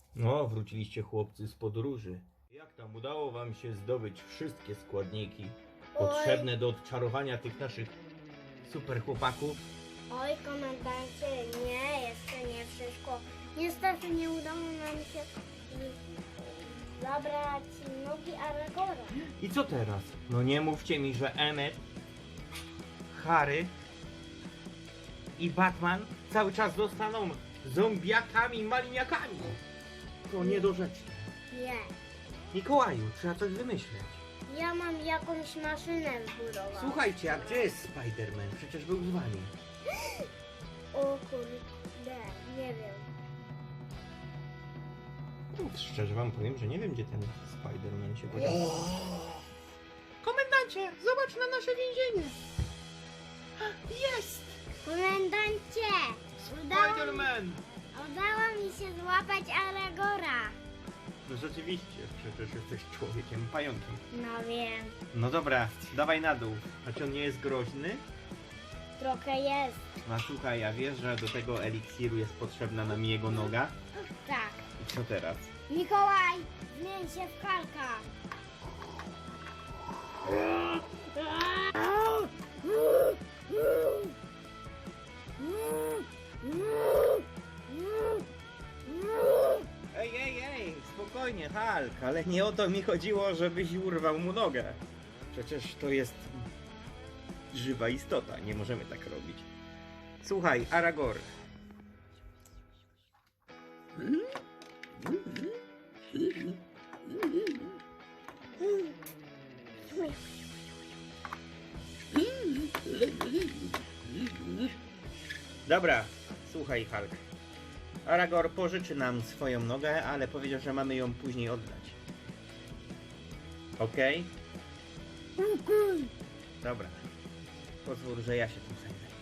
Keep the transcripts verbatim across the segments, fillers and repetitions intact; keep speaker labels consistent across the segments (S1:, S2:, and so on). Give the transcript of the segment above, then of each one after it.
S1: No, wróciliście chłopcy z podróży. Jak tam udało wam się zdobyć wszystkie składniki potrzebne do odczarowania tych naszych super chłopaków?
S2: Oj, komendancie, nie, jeszcze nie wszystko. Niestety nie udało nam się y, zabrać nogi Aragora.
S1: I co teraz? No nie mówcie mi, że Emmet, Harry i Batman cały czas zostaną zombiakami, maliniakami. To niedorzeczne.
S2: Nie.
S1: Mikołaju, trzeba coś wymyśleć.
S2: Ja mam jakąś maszynę zbudować.
S1: Słuchajcie, a gdzie jest Spider-Man? Przecież był z wami.
S2: O kurde, nie wiem.
S1: No, szczerze wam powiem, że nie wiem, gdzie ten Spider-Man się podział. Komendancie, zobacz na nasze więzienie. Jest!
S2: Komendancie! Udało,
S1: Spider-Man!
S2: udało mi się złapać Aragora.
S1: No rzeczywiście, przecież jesteś człowiekiem pająkiem.
S2: No wiem,
S1: No dobra, dawaj na dół. A czy on nie jest groźny?
S2: trochę jest.
S1: No słuchaj, ja wiesz, że do tego eliksiru jest potrzebna nam jego noga?
S2: Tak.
S1: I co teraz?
S2: Mikołaj, zmień się w Halka.
S1: Ej, ej, ej, spokojnie, Hulk, ale nie o to mi chodziło, żebyś urwał mu nogę. Przecież to jest żywa istota, nie możemy tak robić. Słuchaj, Aragor. Dobra, słuchaj, Hulk. Aragor pożyczy nam swoją nogę, ale powiedział, że mamy ją później oddać. Okej?
S2: Okej.
S1: Dobra. Pozwól, że ja się tym zajmę.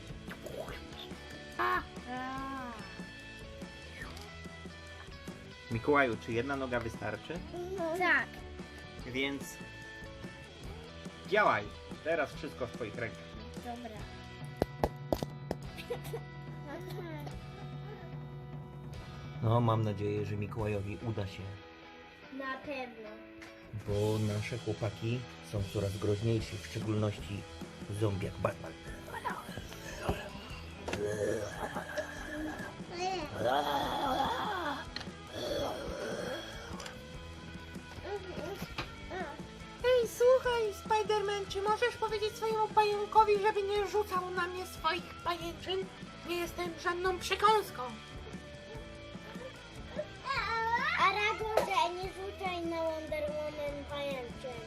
S1: Mikołaju, czy jedna noga wystarczy?
S2: Tak.
S1: Więc działaj. Teraz wszystko w twoich rękach.
S2: Dobra.
S1: No, mam nadzieję, że Mikołajowi uda się,
S2: Na pewno.
S1: bo nasze chłopaki są coraz groźniejsi, w szczególności zombiak Batman.
S3: Ej, słuchaj, Spider-Man, czy możesz powiedzieć swojemu pająkowi, żeby nie rzucał na mnie swoich pajęczyn? Nie jestem żadną przekąską.
S2: Aragorze, nie rzucaj na Wonder Woman pajęczyn.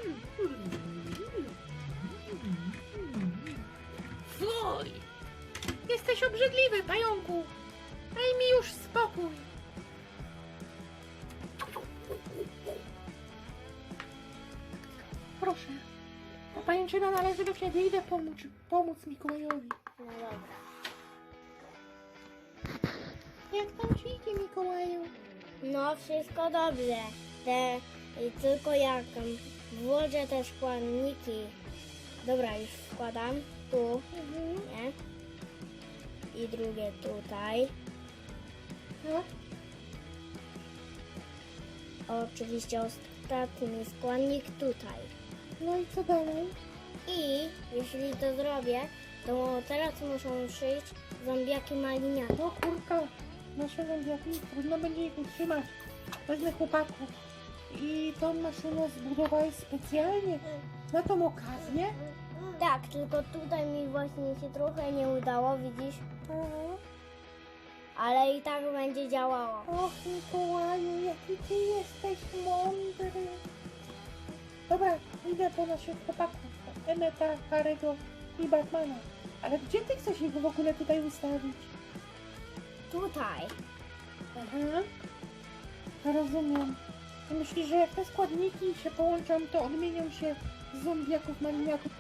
S3: Fuj! Jesteś obrzydliwy, pająku. Daj mi już spokój. Proszę. Ta pajęczyna należy do ciebie. Idę pomóc, pomóc Mikołajowi.
S2: No dobra.
S3: Jak tam ci idzie, Mikołaju?
S2: No wszystko dobrze. Te, i tylko jak um, włożę te składniki. Dobra, już wkładam tu, nie? I drugie tutaj.
S3: No,
S2: Oczywiście ostatni składnik tutaj.
S3: no i co dalej?
S2: I jeśli to zrobię, to teraz muszą przyjść zombiaki maliniaki.
S3: No kurka, nasze zombiaki, trudno będzie ich utrzymać. Wezmę chłopaków. I tą maszynę zbudowałeś specjalnie na tą okazję?
S2: Tak, tylko tutaj mi właśnie się trochę nie udało, widzisz?
S3: Aha.
S2: Ale i tak będzie działało.
S3: Och, Mikołaju, jaki ty jesteś mądry. Dobra, idę po naszych chłopaków. Emmeta, Harry'ego i Batmana. Ale gdzie ty chcesz ich w ogóle tutaj ustawić?
S2: Tutaj.
S3: Aha. Rozumiem. Ty myślisz, że jak te składniki się połączą, to odmienią się z zombiaków maliniaków?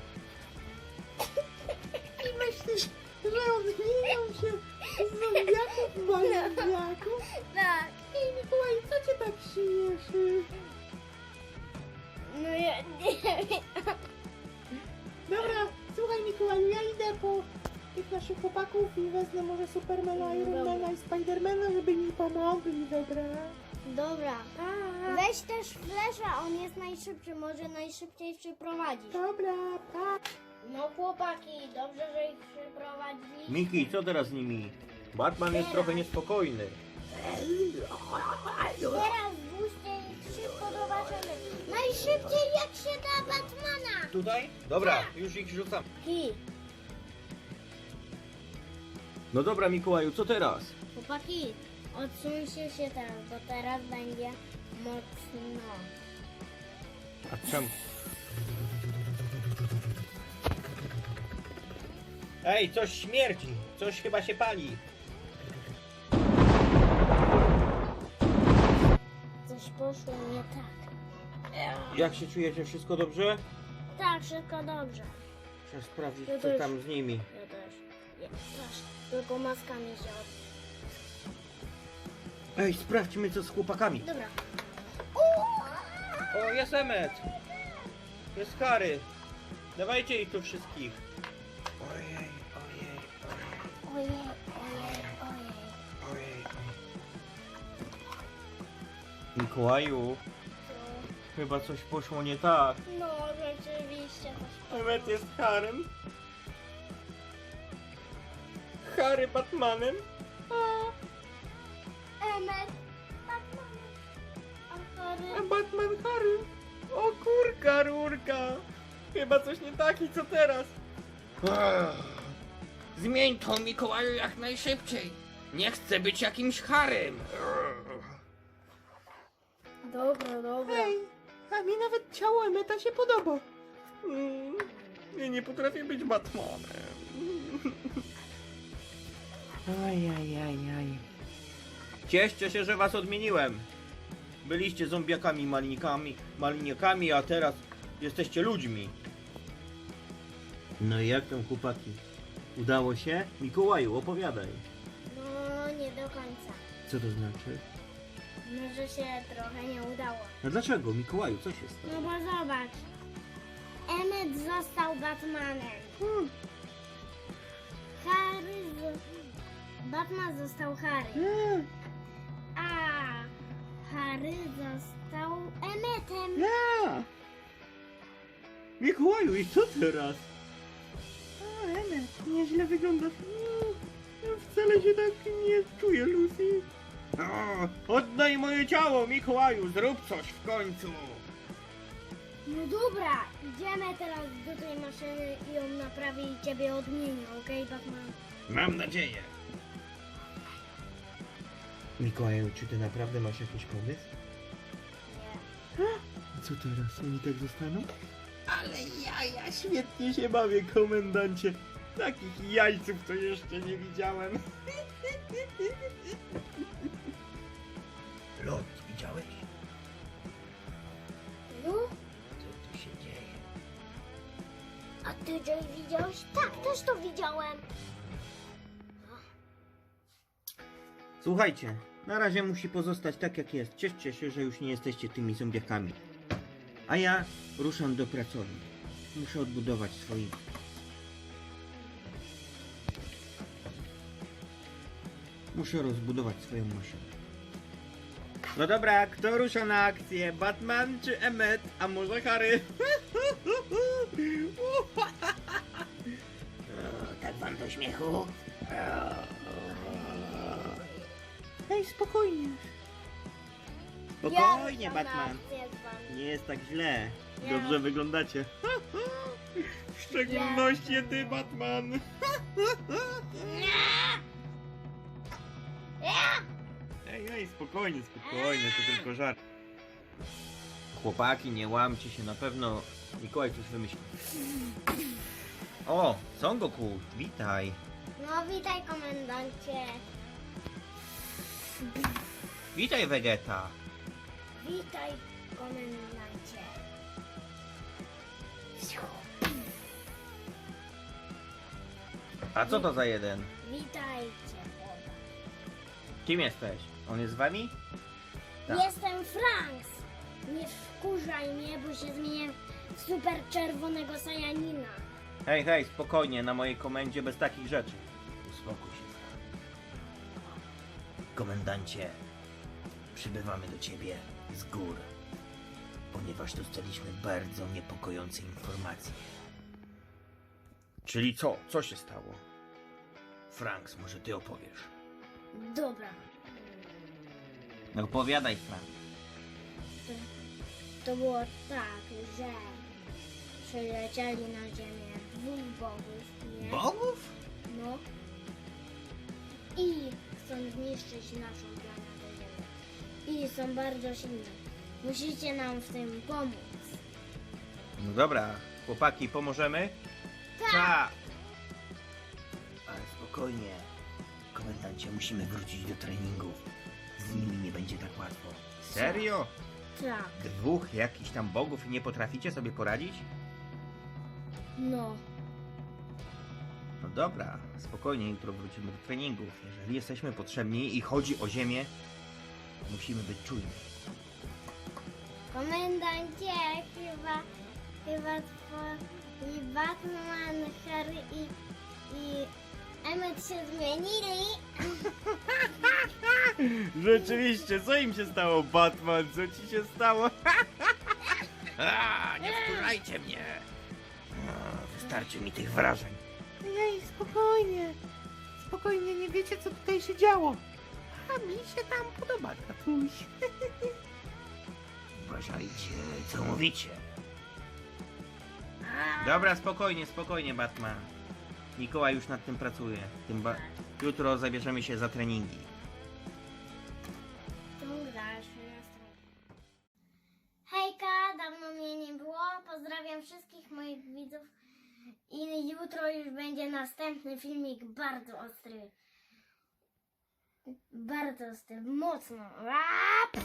S3: I myślisz, że odmienią się z zombiaków maliniaków?
S2: Tak.
S3: Ej, Mikołaj, co cię tak śmieszy?
S2: No ja nie wiem.
S3: Dobra, słuchaj Mikołaju, ja idę po tych naszych chłopaków i wezmę może Supermana,
S2: Dobra.
S3: Ironmana i Spidermana, żeby mi pomogli, dobra?
S2: Dobra.
S3: Pa!
S2: Weź też Flesza, on jest najszybszy, może najszybciej przyprowadzić.
S3: Dobra, pa!
S2: No chłopaki, dobrze, że ich przyprowadzili.
S1: Miki, co teraz z nimi? Batman jest trochę niespokojny.
S2: Teraz włóżcie ich szybko zobaczymy. Najszybciej jak się da Batmana.
S1: Tutaj? Dobra, już ich rzucam.
S2: Ki,
S1: No dobra, Mikołaju, co teraz?
S2: chłopaki, odsuńcie się teraz, bo teraz będzie mocno.
S1: A czemu? Ej, coś śmierdzi. Coś chyba się pali.
S2: Coś poszło nie tak.
S1: Jak się czujecie? Wszystko dobrze?
S2: Tak, wszystko dobrze.
S1: Trzeba sprawdzić,
S2: Ja
S1: co
S2: też.
S1: tam z nimi.
S2: Ja też. Ja też. Tylko maska mi się od...
S1: Ej, sprawdźmy, co z chłopakami.
S2: Dobra.
S1: O, jest Emmet. Jest Harry. Dawajcie ich tu wszystkich. Ojej, ojej,
S2: Ojej, ojej, ojej.
S1: ojej. Mikołaju, chyba coś poszło nie tak.
S2: No, rzeczywiście. coś
S1: Emmet jest Harrym. Harry Batmanem.
S2: Emmet, Batman. A
S1: A
S2: Harry?
S1: Batman Harry. O kurka, rurka. Chyba coś nie tak i co teraz? Zmień to, Mikołaju, jak najszybciej. Nie chcę być jakimś Harrym.
S2: Dobra, dobra.
S3: Ej, a mi nawet ciało Emeta się podoba.
S1: Mm, Ja nie potrafię być Batmanem. Ajajajaj. Cieszcie się, że was odmieniłem. Byliście zombiakami, malinikami, maliniakami, a teraz jesteście ludźmi. No i jak tam, chłopaki? Udało się? Mikołaju, opowiadaj.
S2: No, nie do końca.
S1: Co to znaczy?
S2: Może się trochę nie udało.
S1: No dlaczego, Mikołaju, co się stało?
S2: No bo zobacz. Emmet został Batmanem.
S1: Hmm.
S2: Harry z... Batman został Harry.
S3: Mm,
S2: A Harry został Emmetem.
S1: Ja! Mikołaju, i co teraz?
S3: o, Emet,
S1: Nieźle wyglądasz. Mm, Wcale się tak nie czuję, Lucy. O, oddaj moje ciało, Mikołaju, zrób coś w końcu.
S2: No dobra, idziemy teraz do tej maszyny i ją naprawi i ciebie odmieni, okej, Batman?
S1: Mam nadzieję. Mikołaju, czy ty naprawdę masz jakiś pomysł?
S2: Nie.
S1: Co teraz? Oni tak zostaną? Ale ja, ja świetnie się bawię, komendancie. Takich jajców to jeszcze nie widziałem. Lot, widziałeś?
S2: No,
S1: Co tu się dzieje?
S2: a ty Jay widziałeś? Tak, też to widziałem.
S1: Słuchajcie, na razie musi pozostać tak jak jest. Cieszcie się, że już nie jesteście tymi zombiakami. A ja ruszam do pracowni. Muszę odbudować swoich. Muszę rozbudować swoją maszynę. No dobra, kto rusza na akcję? Batman czy Emmet? A może Harry? O, tak wam do śmiechu?
S3: ej, spokojnie.
S1: Spokojnie,
S2: Ja ruszam na
S1: Batman.
S2: akcję z wami.
S1: Nie jest tak źle.
S2: Ja.
S1: Dobrze wyglądacie. W szczególności ty, Batman. Ej, ej, spokojnie, spokojnie, to tylko żart. Chłopaki, nie łamcie się, na pewno Mikołaj coś wymyśli. O, Son Goku, witaj.
S2: No witaj, komendancie.
S1: Witaj, Vegeta.
S2: Witaj, komendancie.
S1: A co to za jeden?
S2: Witajcie.
S1: Kim jesteś? On jest z wami? Tak.
S2: Jestem Franks. Nie wkurzaj mnie, bo się zmienię w super czerwonego Sajanina.
S1: Hej, hej, spokojnie, na mojej komendzie bez takich rzeczy. Uspokój się, Frank. Komendancie, przybywamy do ciebie z gór, ponieważ dostaliśmy bardzo niepokojące informacje. Czyli co? Co się stało? Franks, może ty opowiesz?
S2: Dobra.
S1: No opowiadaj, Frank.
S2: To, to było tak, że przylecieli na ziemię dwóch bogów, nie?
S1: Bogów?
S2: No. I chcą zniszczyć naszą planetę Ziemię. I są bardzo silne. Musicie nam w tym pomóc.
S1: No dobra, chłopaki, pomożemy? Tak! Ale spokojnie. Komendancie, musimy wrócić do treningów. Z nimi nie będzie tak łatwo. Serio?
S2: Tak.
S1: Dwóch jakichś tam bogów i nie potraficie sobie poradzić?
S2: No.
S1: No dobra, spokojnie, jutro wrócimy do treningów. Jeżeli jesteśmy potrzebni i chodzi o ziemię, musimy być czujni.
S2: Komendancie, chyba, chyba twoi Batman, Harry i, i Emmet się zmienili.
S1: Rzeczywiście, co im się stało, Batman? Co ci się stało? A, nie wkurzajcie mnie! A, wystarczy mi tych wrażeń.
S3: Ej, spokojnie. Spokojnie, nie wiecie co tutaj się działo. A mi się tam podoba, tatuś.
S1: Uważajcie, co mówicie. Dobra, spokojnie, spokojnie, Batman. Mikołaj już nad tym pracuje. Tym ba- Jutro zabierzemy się za treningi.
S2: Hejka, dawno mnie nie było. Pozdrawiam wszystkich moich widzów. I jutro już będzie następny filmik bardzo ostry. Bardzo ostry, mocno. Aaa,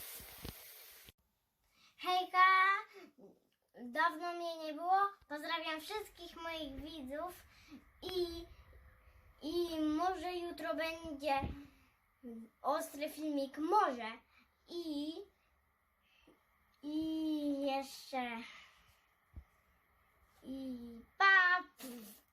S2: Hejka, dawno mnie nie było. Pozdrawiam wszystkich moich widzów. I, i może jutro będzie ostry filmik. Może. I, i jeszcze... I pa!